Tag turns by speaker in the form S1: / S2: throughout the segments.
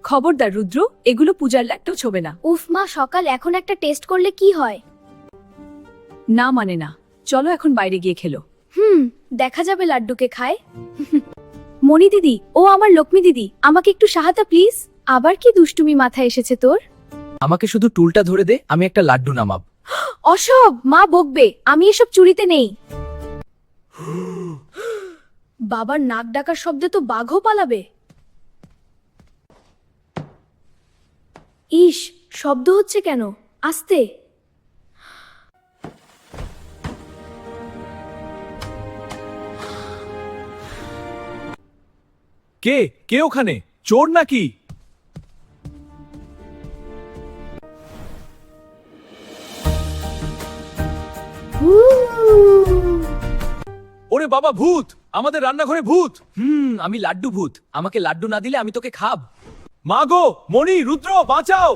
S1: খবরদার রুদ্র, এগুলো পূজার লাড্ডু ছোবে না।
S2: উফ মা, সকাল এখন একটা টেস্ট করলে কি হয়?
S1: না মানে না, চলো এখন বাইরে গিয়ে খেলো।
S2: দেখা যাবে লাড্ডুকে খায়। মণি দিদি, ও আমার লক্ষ্মী দিদি, আমাকে একটু সাহায্য প্লিজ। আবার কি দুষ্টুমি মাথায় এসেছে তোর?
S3: আমাকে শুধু টুলটা ধরে দে, আমি একটা লাড্ডু নামাব।
S2: অসব, মা বকবে। আমি এসব চুরিতে নেই। বাবার নাক ডাকার শব্দে তো বাঘও পালাবে। ইস, শব্দ হচ্ছে কেন? আস্তে।
S4: কে কে ওখানে? চোর নাকি? ওরে বাবা, ভূত! আমাদের রান্নাঘরে ভূত!
S3: আমি লাড্ডু ভূত, আমাকে লাড্ডু না দিলে আমি তোকে খাব।
S4: মা গো, মণি, রুদ্র, বাঁচাও!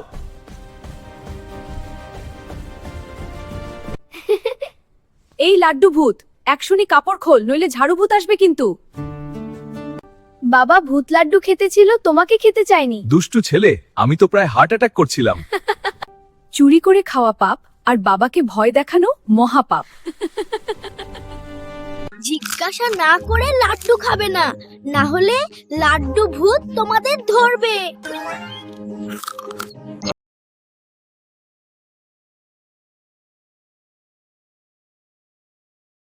S1: এই লাড্ডু ভূত, একশনি কাপড় খোল, নইলে ঝাড়ু ভূত আসবে কিন্তু।
S2: বাবা ভূত লাড্ডু খেতে ছিল, তোমাকে খেতে চাইনি।
S4: দুষ্টু ছেলে, আমি তো প্রায় হার্ট অ্যাটাক করছিলাম।
S1: চুরি করে খাওয়া পাপ, আর বাবাকে ভয় দেখানো মহাপাপ।
S2: জিজ্ঞাসা না করে লাড্ডু খাবে না, না হলে লাড্ডু ভূত তোমাদের ধরবে।